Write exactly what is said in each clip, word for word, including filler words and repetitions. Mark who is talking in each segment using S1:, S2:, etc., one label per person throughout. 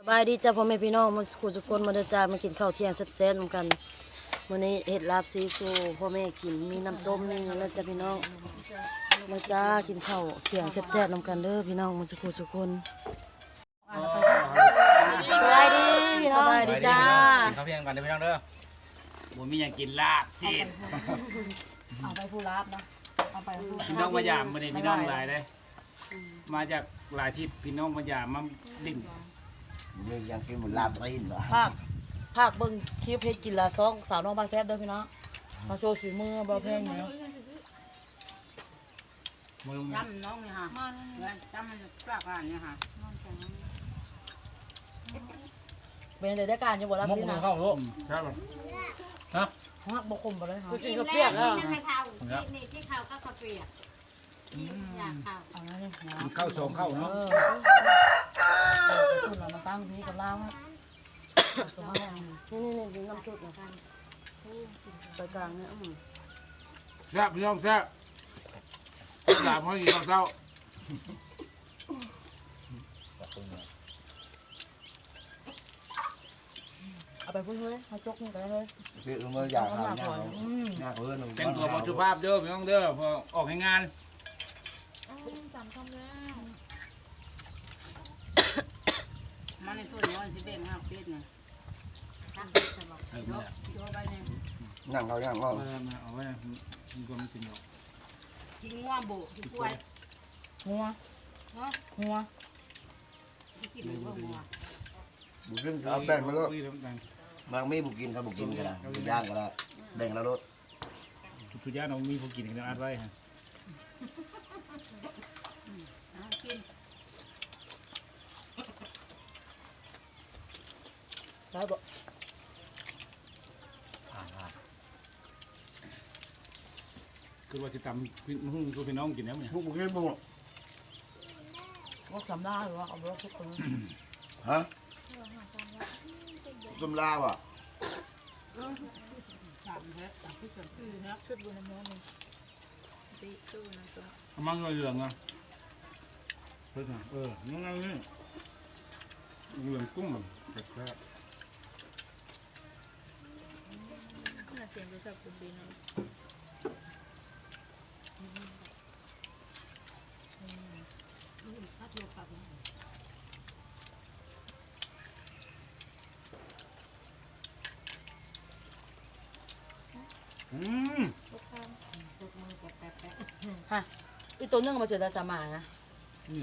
S1: บายดีจ้าพ่อแม่พี่น้องมาสู่ทุกคนมาเดินจ้ามากินข้าวเที่ยงแซ่บๆเหมือนกันวันนี้เห็ดลาบซีฟูพ่อแม่กินมีน้ำต้มนี่แล้วจ้าพี่น้องมาจ้ากินข้าวเที่ยงแซ่บๆเหมือนกันเด้อพี่น้องมาสู่ทุกคนสบายดีพี่น้องสบายดีจ้า
S2: กินข้าวเที่ยงกันเด้อพี่น้องเด้อบ่มีหยังกินลาบสิ
S1: เอาไปผู้ลาบนะเอาไปผู้
S2: พี่น้องมายามมื้อนี้พี่น้องหลายเด้มาจากหลายที่พี่น้องมายามมาดิ่ง
S3: นี่ยังกินหมูลาบรีนเหรอ
S1: ภาคภาคเบิ่งคลิปเฮ็ดกินละซองสาวน้องบางแซ่บเด้อพี่น้องมาโชว์ฝีมือบ่แพงเนาะ
S2: มึง
S4: จำน้องเนี่ยค่ะจำมันกลากานเนี่ยค่ะ
S1: เป็นได้ได้การจะบ่รับ
S2: มุก
S1: สิ
S2: มึ
S1: นะ
S2: งเข้าลูกใช่ป่ะฮะ
S1: ฮักบ่คุมบ่เลยค่ะ
S4: กินแล้วนี่นั่งให้เท่านี่ที่เท่าก็ข้าวเปียกอยากเท่า
S1: เอาแล้วนี่
S2: มันเข้าสองเข้าเนาะ
S1: เออคุณเรามาตั้งนี้กับเราฮะสมัยนี่นี่นี่น้ำจุดนะไปกลางเนี่ยอืม
S2: แซ่บพี่น้องแซ่บลาบเฮาอยู่ตอนเช้า
S1: เอาไปพูดเลยเอาจกนี่ไปเลย
S3: พี่เออมื่ออยากทานเนี่ยหน้าเพื่อน
S2: แต่งตัวบ่สุภาพเด้อพี่น้องเด้อพอออกให้งาน
S4: มันในทุ่นเนี่ยมันสิเบ่งห้าฟีดเนี่ยตั้งสมอง
S2: เออย
S4: กยกไปเนี่ย
S3: นั่งเขานั่งเขา
S2: มามาเอาไว้มันก็มันกินอยู่
S4: กินง่วงโบกินกล้วย
S1: งัว
S4: เนาะ
S1: งัว
S4: กินหรือว่างัว
S3: บุกขึ้นเอาแบ่งมาแล้ว
S2: คุยแล้วกัน
S3: บางมีบุกกินกับบุกกินกันนะบุกย่างกันละแบ่งแล้วรถ
S2: ทุกอย่างเรามีผู้กินกันอัดไว้ฮะ
S4: กิน
S1: ได้บ่
S2: คือว่าสิตำพี่หุ้งคือพี่น้องกินแล้วเนี่ย
S3: บุกบุกขึ้นบุก
S1: ว่าสำได้หรือว่าเอาไปทุกคน
S3: ฮะต้มลาบอ่ะ
S4: สามแพ็คสามที่สามที่นะชุดบุญน้ำมันตีตู้นะตัว
S2: เอามันเหลืองอ่ะเพิ่นเออนั่นนั่นนี่เหลืองกุ้งแซ่บ
S4: น่าเสียงจะชอบคุณดีนะ
S2: อืม
S1: ฮะอีตัวนึงมาเจอได้ตามานะ
S2: เนี่ย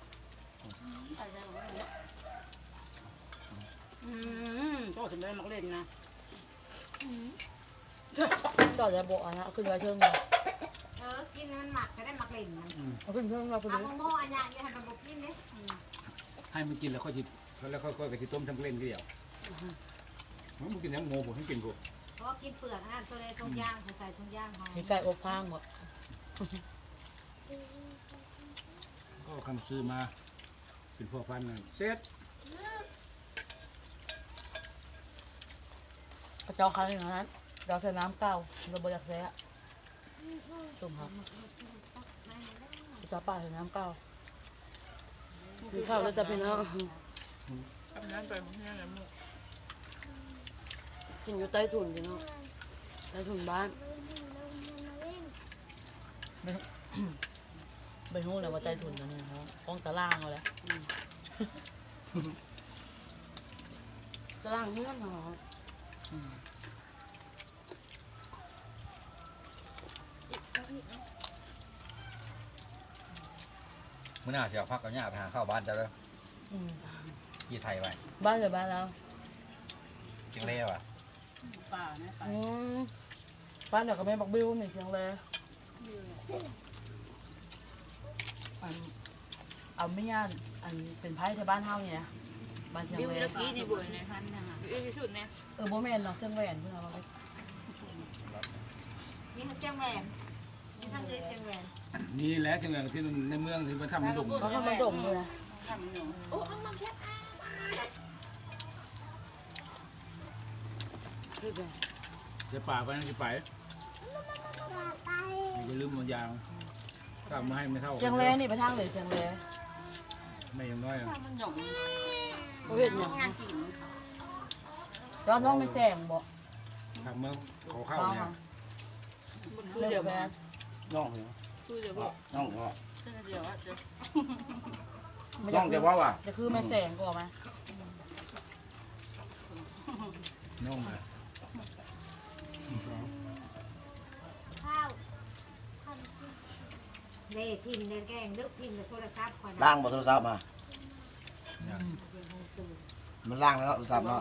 S4: อืมโตถึงได้มักเล่นนะ
S1: ต่อจะบอกอ่ะนะเอาขึ้นไว้เทิงเลย
S4: เออกินมันหมักก็ได้มักเล่นมัน
S1: เอาขึ้นเทิงเราไป
S4: เอา
S1: เลย
S4: โม่อันยาเนี่ยให้มันบุกกินเลย
S2: ให้มันกินแล้วค่อยจิแล้วค่อยๆกระชิต้มทั้งเล่นเดียวมันบ่กินทั้งโง่ผมให้กินกู
S4: เพราะกินเปลือกนั่นตัวในทุ่งย่างใส่ทุ่งย่างหอม
S1: มีไก่อบพางหมด
S2: ก็คำซื้อมาเป็นพ่อพันธุ์น่ะเสร็จ
S1: กระเจ้าคันอย่างนั้นเราใส่น้ำเก้าเราบริจาคแซ่ตุ่มครับกระเจ้าป่าใส่น้ำเก้าคือข้าวแล้วจะเป็นเนาะ
S4: ทำนั้นไปมันเนี่ยแหละมุก
S1: กินอยู่ใต้ถุนพี่เนาะใต้ถุนบ้านไปหู้เลยว่าใต้ถุนนะเนี่ยเขาป้องตารางเอาแล้วตารางเรื่องเหรอ
S5: มื่อหน้าเสียพักกับย่าไปหาข้าวบ้านเจ้าเลย
S1: อืม
S5: ยี่ไทยไป
S1: บ้านเลยบ้านแล้ว
S5: จิงเล่ว่ะ
S4: ป่าเนี่ยไป
S1: อืมบ้านเดี๋ยวก็ไม่บอกบิวนี่เชียงเลยอันเอาไม่ยานอันเป็นไพ่ที่บ้านเฮาเนี่ยบ้านเชียง
S4: บิว
S1: เลย
S4: ตะกี้นี่บุญในพันนะคะบิวที่สุดเนี่ย
S1: เออโบแมนเนาะเชียงแหวนเพื่อนเราไป
S4: นี่มันเชียงแหวนนี่ท่านเลยเชียงแหวน
S2: นี่แหละจังเลยที่ในเมืองที่มันทำมันดุ่ม
S1: เขาก็มาดมเลยนะ
S4: ทำอยู่โอ้เอามาแค่
S1: คือแบบ
S2: จะป่าไปนั่นจะไปอย่าลืมมันยางถ้ามาให้ไม่เท่า
S1: เชียงเลยนี่ไปทางเลยเชียงเลย
S2: ไม่อยังน้อยอะ
S4: มันหยง
S1: บ่เฮ็ดหยัง
S4: งานจริง
S1: ย้อนน้องไม่แจ้งบ่
S2: ทำเมื่อเขาเข้าเนี่ย
S1: คือเดี๋ยวแม่
S3: น้องเหรอ
S4: คือเดี๋ยวบอก
S3: น้องเหรอ
S4: เดี๋ยวว่าจะ
S3: น้องจะว่าว่ะ
S1: จะคือแม่แสงก็ออกมา
S2: น้องเลย
S6: ข้าวเล่ทิมเล่แกงลึกทิมในโทรศัพท์ก่อน
S3: ล้างบนโทรศัพท์มามันล้างแล้วโทรศัพท์เนาะ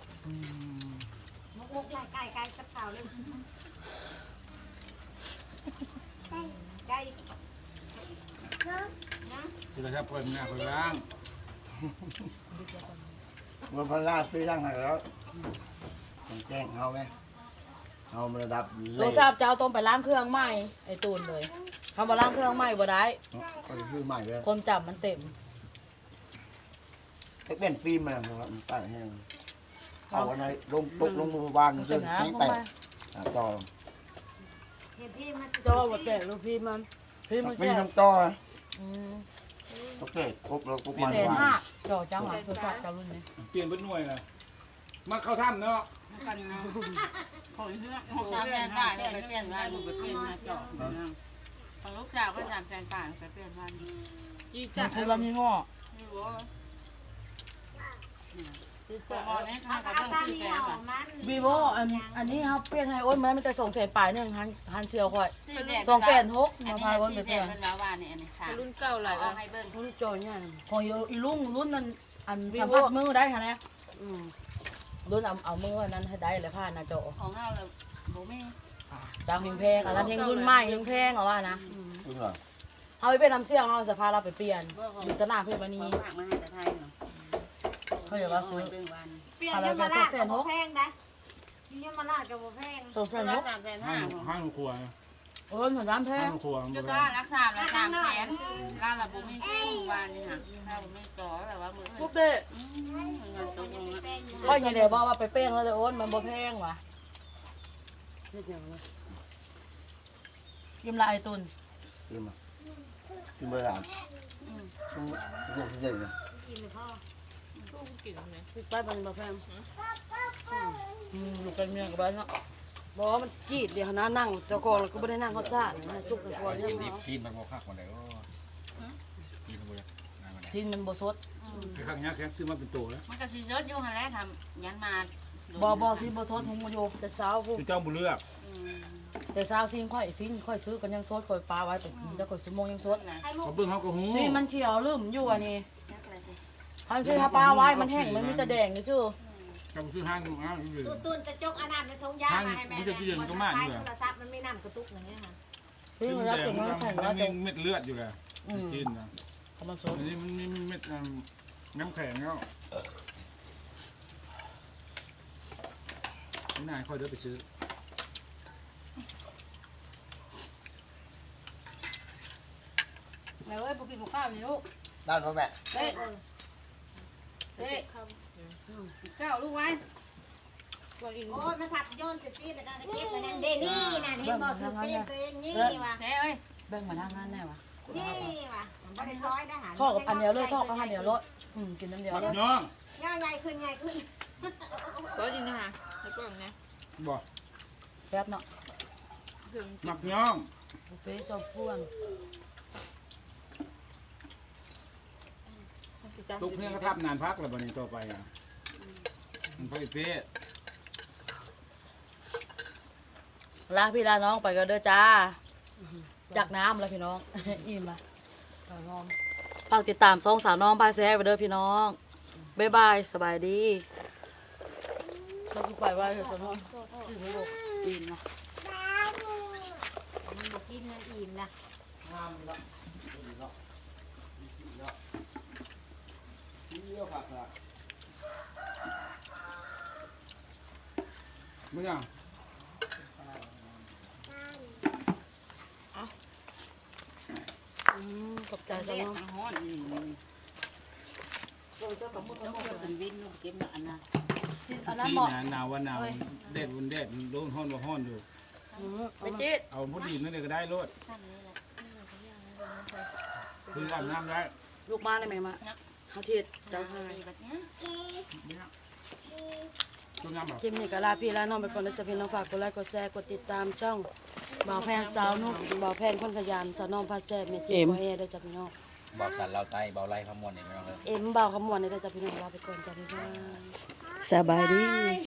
S6: มุกมุกไก่ไก่ไก่กับเต่าเลยไก่ไก่นะ
S2: คือถ้าเปิดหน้าเปิดล่าง
S3: มันพันล้างซื้อล้างให้แล้วต้องแจ้งเขาไหมเอามาระดับ
S1: โทรศัพท์จะเอาต้มไปล้างเครื่องใหม่ไอ้ตูนเลยคำว่าล้างเครื่องใหม่บ่ได้
S3: ก็คือใหม่เลย
S1: คนจับมันเต็ม
S3: เป็นฟิล์มมันนะครับมันตั้งให้เอาไว้ในลงตกลงมือบ้าน
S1: มัน
S3: เรื่
S1: จะ
S3: อง
S1: งา
S3: แข็ง
S1: เข้า
S3: แตก
S1: มา
S3: อ่ะต่อ
S6: เห็นพี่มัน
S1: เจ้าบ่แตกลูกพี่มันพี่มัน
S3: ไม่
S1: แตก
S3: ทำต่อนะ
S1: อืม
S3: โอเคครบแล้วครบมัน
S1: แสนห้าเจ้าจังหวะโทรศัพท์เจ้ารุ่นนี้
S2: เปลี่ยนเป็นหน่วยเลยมาเข้าถ้ำเนาะ
S4: กันนะคนเพื่อนของแฟนบ้านไปเปลี่ยนบ้านมันไปเปลี่ยนมาจอดของลูกสาวก็ทำแฟนบ้านไปเปลี่ยนบ้านจี
S1: มั
S4: จั
S1: น
S4: ด
S1: คือวันนี้ห่อ
S4: ไม่รู้พอเนี่ย
S6: เอา
S4: ค่ะ
S6: เอา
S4: ก็
S6: ตา
S4: ต้อง
S6: ม
S4: ซื้อ
S6: นี้
S4: แฟน
S6: เอา
S4: ก่อน
S6: มัน
S1: วีโวอันอันนี้ครับเปลี่ยนให้โอ้ยแม้มันจะส่งเสนปลายหนึ่งพันพันเชียวค่อย
S4: ซื้อแดง
S1: สองแสนหก
S4: อัน
S1: มา
S4: นี้
S1: พายวน
S4: ซื้
S1: ไป
S4: อแด
S1: เพื่อง น
S4: เป็นแล้วว่าเนี่ยอันนี้ค่ะรุ่นเก่าเลยเอาให้เบิ้ง
S1: รุ่นจอยเนี่ยของอีลุงรุ่นนั้นอันสัมผัสมือได้ค่ะเนี่ยอืมรุ่นเอาเอามือนั้นให้ได้เลยผ่านหน้าจอ
S4: ของเราเลยโบแม่
S1: ดังเพลงอันนั้นเพลงรุ่นใหม่เพลงเพลงเอาว่านะ
S3: คุณเหรอ
S1: เอาไปเป็นน้ำเสี่ยงเอาสภาเราไปเปลี่ยนอยู่ตะหน้าเพื่อนวัน
S4: ข
S1: นี้
S4: องฝากมาให้แต่ไทยเนาะ
S1: เขาอยากว่าซื้อ
S6: เปลี่ยนยมาลาดกับโบแพงนะยมาลาดกับโบแพง
S1: สองแสนหก
S4: สามแสน
S2: ห้า
S4: ห้าง
S2: ห้างครัว
S1: โอ้ยเหมือนน้ำแพ
S2: ห้าง งครัวมัน
S4: จะ
S2: เป็น
S4: ก็รักษาละสามแสนล่าระบบไม่ซื้อวานนี่ค่ะถ้าไม่จ่อแต่ว่ามือ
S1: ปุ๊บเด้
S4: เงินตกลง
S1: ก็ยังเดี๋ยวบอกว่าไปเป้งแล้วเลยโอ้นมันบ่แพงว่ะยิ้มละไอตุน
S3: กินมากินเบอร์สามคุณคุณคุณเจ๋งเลย
S6: กินเลยพ่อ
S1: ไปมันบ่แพงอืมลูกเป็นเมียกับบ้านเนาะบอกว่ามันจีดเดี๋ยวนะนั่งเจ้าของแล้วก็ไม่ได้นั่งเขาซ่าเนี่ยซุกในครัว
S5: กิ
S1: เนี่ย
S5: นดิบกินมันบ่คักมันได้โอ้กินมันบ่ได้งานมันได้
S1: ซินมันบ่สด
S2: คือข้างนี้แค่ซื้อมาเป็นตัวแล้ว
S4: มันก็สิเยอะอยู่หันแหละทำยันมา
S1: บ่บ่ซินบ่สดหุงมาโยแต่เช้าพวก
S2: คือเจ้าบุเลือก
S1: แต่เช้าซินค่อยซินค่อยซื้อกันยังสดค่อยปลาไว้แต่จะค่อยสมงยังสด
S6: ไข่มุ
S2: เขา
S6: ก
S2: เบิ่งเขาก็หู
S1: ซินมันเขียวลืมอยู่อันนี้ทันทีถ้าปลาไว้มันแห้งมันมีแต่แดงนี่ซื่อ
S2: เขาซื้อห้างห้างอยู่
S6: ตุนตุนจะจกอันนั้นในทงยามาให้แม่โทรศัพท์มันไม่นำกระตุกอย่างเงี้ยค่ะ
S1: ซินมันรับถึงมันแข็ง
S2: มั
S1: แล้ว
S2: น
S1: แต่
S2: มีเม็ดเลือดอยู่แหละกินนะ
S1: มันสด
S2: อันนี้มันมีเม็ดน้ำแข็งแล้วนี่นายค่อยเดินไปซื้อ
S4: แม่เอ้ยพวกกินหมูข้าวนี่ลูก
S3: ด้านพ่อแม่
S4: เฮ้ยเฮ้ยข้าวลูกไว้
S6: โอ้ยมันทับโยนเสร็จแล้วก็เก็บไปนั่นเดนี่น่ะเห็นบอกคือเป็นเป็นนี่ว่ะ
S4: เฮ้ยเอ้ย
S1: แบ่งมาทางนั้นแน่วะ
S6: นี่ว่ะมันบ่ได้ร้อยได้หา
S1: ทอดกับอันเดียวเลยทอดกับอันเดียวเลยอืมกินน้ำเดียว
S2: บัก
S1: เลย
S2: ย่อง
S6: ย่อใหญ่ขึ้นใหญ่ขึ้น
S4: ก็จริงนะคะแล้วก็เนี่ย
S2: บ่
S1: แป๊บเนาะ
S2: บักย่อง
S1: บุฟเฟ่ต์เจ้าพ่วง
S2: ลูกเนี่ยก็ทับนานพักแล้วบัดนี้ต่อไปอ่ะมันพ่อเป๊ะ
S1: ลาพี่ลาน้องไปก็เด้อจ้าจากน้ำแล้วพี่น้อง อิ่มละฝากติดตามสองสาวน้องพายแซ่ไปเด้อพี่น้องบ๊ายบายสบายดีเราคือไปว่าเถอะสาวน้องอิ่มละ
S6: มันบอกกินมันอิ่มนะ
S3: งามเนาะเนาะเนาะเยี่ยวผักละ
S2: มึงอ่ะ
S1: อืมขอบใจ
S4: แต่
S1: สาว
S4: เด็ก
S1: น้อง
S4: ทางห้อนนี่เราจะกับมุดแล้วก็เป็นวินลูกเก็บหนักนะ
S1: อันนั้น
S2: ที่
S1: เหมาะ
S2: หนาวว่าหนาวแดดวันแดดโดนห้อนว่าห้อนอยู่
S1: ไปจิต
S2: เอาพอดีนั่นเลยก็ได้รถคืออาบน้ำได้
S1: ลูกมาได้ไหมมาเฮาเทศเจ้าค่ะ
S4: แบบนี้
S2: ต้นน้ำแบบ
S1: คลิปนี้ก็ลาพี่ลาน้องไปก่อนนะจ๊ะพี่น้องฝากกดไลค์กดแชร์กดติดตามช่องบ่าวแพนสาวนุกบ่าวแพนคนขยันสาวน้องพัดแซ่บแม่จีโอเอเด้อจ้ะพี่น้อง
S5: เบาสันเราไตเบาไล่ขมวนนี่ไม่ต้องเลย
S1: เอ็มบ่าวขมวนเด้อจ้ะพี่น้องลาไปก่อนจ้ะพี่น้องสบายดี